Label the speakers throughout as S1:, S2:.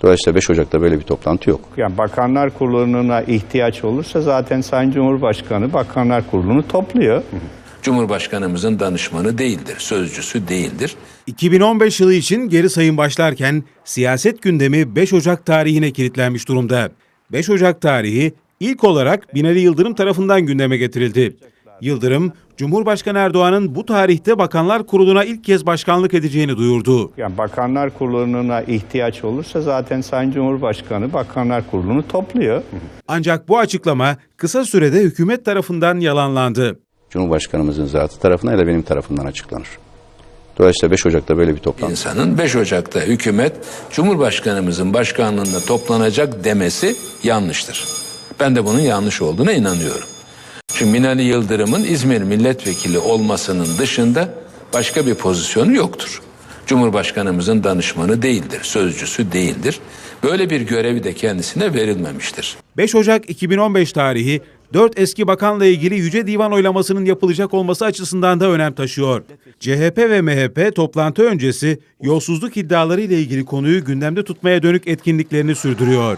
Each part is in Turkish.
S1: Dolayısıyla 5 Ocak'ta böyle bir toplantı yok.
S2: Yani Bakanlar Kurulu'na ihtiyaç olursa zaten Sayın Cumhurbaşkanı Bakanlar Kurulu'nu topluyor.
S3: Cumhurbaşkanımızın danışmanı değildir, sözcüsü değildir.
S4: 2015 yılı için geri sayım başlarken siyaset gündemi 5 Ocak tarihine kilitlenmiş durumda. 5 Ocak tarihi ilk olarak Binali Yıldırım tarafından gündeme getirildi. Yıldırım, Cumhurbaşkanı Erdoğan'ın bu tarihte Bakanlar Kurulu'na ilk kez başkanlık edeceğini duyurdu.
S2: Yani Bakanlar Kurulu'na ihtiyaç olursa zaten Sayın Cumhurbaşkanı Bakanlar Kurulu'nu topluyor.
S4: Ancak bu açıklama kısa sürede hükümet tarafından yalanlandı.
S1: Cumhurbaşkanımızın zatı tarafından ya da benim tarafından açıklanır. Dolayısıyla 5 Ocak'ta böyle bir toplantı.
S3: İnsanın 5 Ocak'ta hükümet Cumhurbaşkanımızın başkanlığında toplanacak demesi yanlıştır. Ben de bunun yanlış olduğuna inanıyorum. Çünkü Binali Yıldırım'ın İzmir milletvekili olmasının dışında başka bir pozisyonu yoktur. Cumhurbaşkanımızın danışmanı değildir, sözcüsü değildir. Böyle bir görevi de kendisine verilmemiştir.
S4: 5 Ocak 2015 tarihi 4 eski bakanla ilgili Yüce Divan oylamasının yapılacak olması açısından da önem taşıyor. CHP ve MHP toplantı öncesi yolsuzluk iddiaları ile ilgili konuyu gündemde tutmaya dönük etkinliklerini sürdürüyor.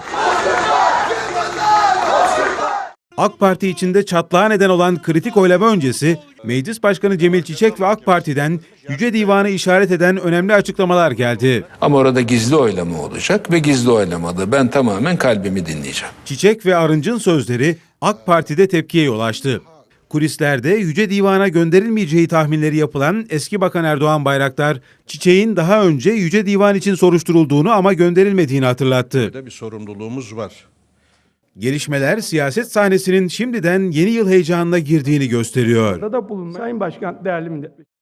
S4: AK Parti içinde çatlağa neden olan kritik oylama öncesi Meclis Başkanı Cemil Çiçek ve AK Parti'den Yüce Divan'ı işaret eden önemli açıklamalar geldi.
S3: Ama orada gizli oylama olacak ve gizli oylamada ben tamamen kalbimi dinleyeceğim.
S4: Çiçek ve Arınç'ın sözleri AK Parti'de tepkiye yol açtı. Kulislerde Yüce Divan'a gönderilmeyeceği tahminleri yapılan eski Bakan Erdoğan Bayraktar, Çiçek'in daha önce Yüce Divan için soruşturulduğunu ama gönderilmediğini hatırlattı.
S5: Bir sorumluluğumuz var.
S4: Gelişmeler siyaset sahnesinin şimdiden yeni yıl heyecanına girdiğini gösteriyor.
S6: Sayın Başkan, değerli millet.